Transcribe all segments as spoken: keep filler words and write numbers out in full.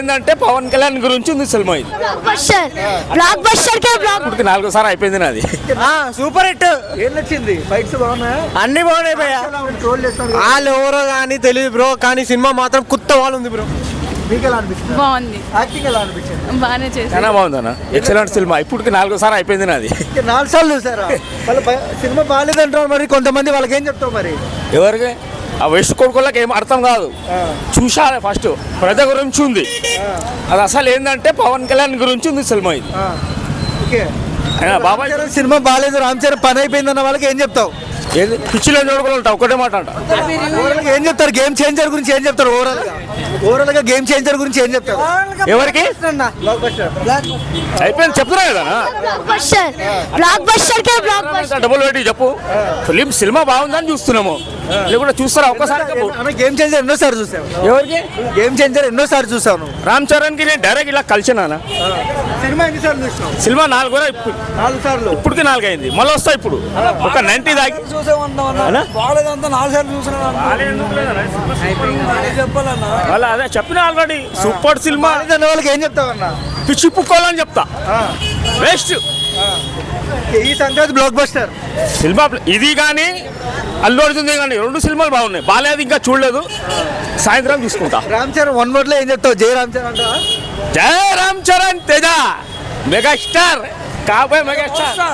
ఏంటంటే పవన్ కళ్యాణ్ గురించి ఉంది సినిమా ఇది. బ్లాక్ బస్టర్ కే బ్లాక్ ఇప్పటికి నాలుగోసారి అయిపోయింది నాది. Super hit. ఏం నచ్చింది? ఫైట్స్ బాగున్నాయా? అన్ని బాగున్నాయి భయ్య. ట్రోల్ చేస్తారు కదా. వాళ్ళు ఎవరో కానీ తెలియదు బ్రో, కానీ సినిమా మాత్రం కొత్త వాళ్ళు ఉంది బ్రో. మీకు ఎలా అనిపిస్తుంది? బాగుంది, యాక్టింగ్ ఎలా అనిపించింది? బాగానే చేశారు. చాలా బాగుందన్న, ఎక్సలెంట్ సినిమా. ఇప్పటికి నాలుగోసారి అయిపోయింది నాది. నాలుగు సార్లు చూసారా? వాళ్ళు భయ- సినిమా బాగాలేదంటారు మరి కొంతమంది, వాళ్ళకి ఏం చెప్తావు మరి? ఎవరికి ఆ వెస్ట్ కొడుకులకు ఏం అర్థం కాదు. చూశారు ఫస్ట్ ప్రజ గురించి ఉంది. అది అసలు ఏంటంటే పవన్ కళ్యాణ్ గురించి ఉంది సినిమా ఇది. ఓకే. అయినా బాబాయ్ రామ్ చరణ్ సినిమా బాగాలేదు, రామ్ చరణ్ పని అయిపోయింది అన్న వాళ్ళకి ఏం చెప్తావు? ఏది పిచ్చిలో చూడగలుగుతా ఒకటే మాట అంట. ఓవరాల్ గా ఏం చెప్తారు? గేమ్ చేంజర్ గురించి ఏం చెప్తారు? ఓవరాల్ గా ఓవరాల్ గా గేమ్ చేంజర్ గురించి ఏం చెప్తారు? ఎవరికి బ్లాక్ బస్టర్. అయిపోయింది చెప్తున్నా కదా. బ్లాక్ బస్టర్ బ్లాక్ బస్టర్ కే బ్లాక్ బస్టర్. డబుల్ పెట్టి చెప్పు. ఫిలిం సినిమా బాగుందని చూస్తున్నాము, లేకుంటే చూస్తారా ఒక్కసారి చెప్పు. అన్న గేమ్ చేంజర్ ఎన్నోసార్లు చూసావు? ఎవరికి? గేమ్ చేంజర్ ఎన్నోసార్లు చూసావు నువ్వు? రామ్ చరణ్ కి నేను డైరెక్ట్ ఇలా కలిసినా. సినిమా ఎన్నిసార్లు చూసినావు? సినిమా నాలుగు కూడా ఇప్పుడు నాలుగు సార్లు. ఇప్పటికి నాలుగు అయింది, మళ్ళీ వస్తా ఇప్పుడు ఒక నైన్టీ దాకి. బాగాలేదంతా నాలుగు సార్లు చూసినా చెప్పాలన్నా. వాళ్ళ అదే చెప్పిన ఆల్రెడీ సూపర్ సినిమా. అన్న వాళ్ళకి ఏం చెప్తావన్నా? పిచ్చి పుక్కోవాలని చెప్తా. వేస్ట్ ఈ సంక్రాంతి బ్లాక్ బస్టర్ సినిమా ఇది కానీ అల్లు అర్జున్ కానీ రెండు సినిమాలు బాగున్నాయి. బాగాలేదు ఇంకా చూడలేదు, సాయంత్రం చూసుకుంటా. రామ్ చరణ్ వన్ వర్డ్ లో ఏం చెప్తావు? జై రామ్ చరణ్ అంటావా? జై రామ్ చరణ్ తేజ మెగాస్టార్ కాబోయే మెగాస్టార్.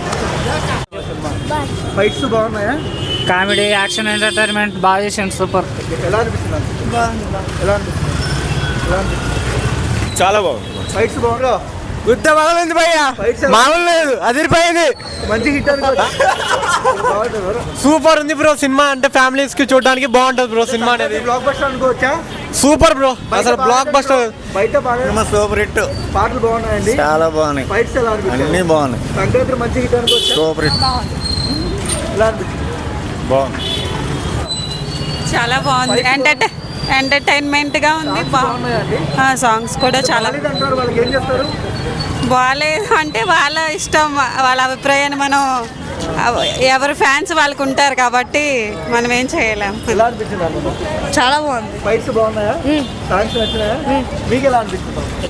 ఫైట్స్ బాగున్నాయా? కామెడీ, యాక్షన్, ఎంటర్టైన్మెంట్ బాగా చేసాను. సూపర్. ఎలా అనిపిస్తుంది? ఎలా అనిపిస్తుంది? ఎలా అనిపిస్తుంది? చాలా బాగుంది. ఫైట్స్ బాగుందా? గుద్ద బాగుంది భయ్య, మామూలు లేదు, అదిరిపోయింది. మంచి హిట్ అనుకోవచ్చు. సూపర్ ఉంది బ్రో సినిమా. అంటే ఫ్యామిలీస్ కి చూడడానికి బాగుంటది బ్రో సినిమా అనేది. బ్లాక్ బస్టర్ అనుకోవచ్చా? సూపర్ బ్రో, అసలు బ్లాక్ బస్టర్. బయట బాగా సూపర్ హిట్. పాటలు బాగున్నాయండి, చాలా బాగున్నాయి. ఫైట్స్ ఎలా అనిపిస్తుంది? అన్ని బాగున్నాయి. సంక్రాంతి మంచి హిట్ అనుకోవచ్చా? Super hit. ఎలా అనిపిస్తుంది? బాగుంది. చాలా బాగుంది. ఎంటర్టై ఎంటర్టైన్మెంట్గా ఉంది. బాగున్నాయండి. సాంగ్స్ కూడా చాలా అంటారు, వాళ్ళకి ఏం చెప్తారు? బాగాలేదు అంటే వాళ్ళ ఇష్టం, వాళ్ళ అభిప్రాయాన్ని మనం ఎవరి ఫ్యాన్స్ వాళ్ళకు ఉంటారు కాబట్టి మనం ఏం చేయలేం. ఎలా అనిపించింది? చాలా బాగుంది. ఫైట్స్ బాగున్నాయా? సాంగ్స్ నచ్చినాయా? మీకు ఎలా అనిపిస్తుంది?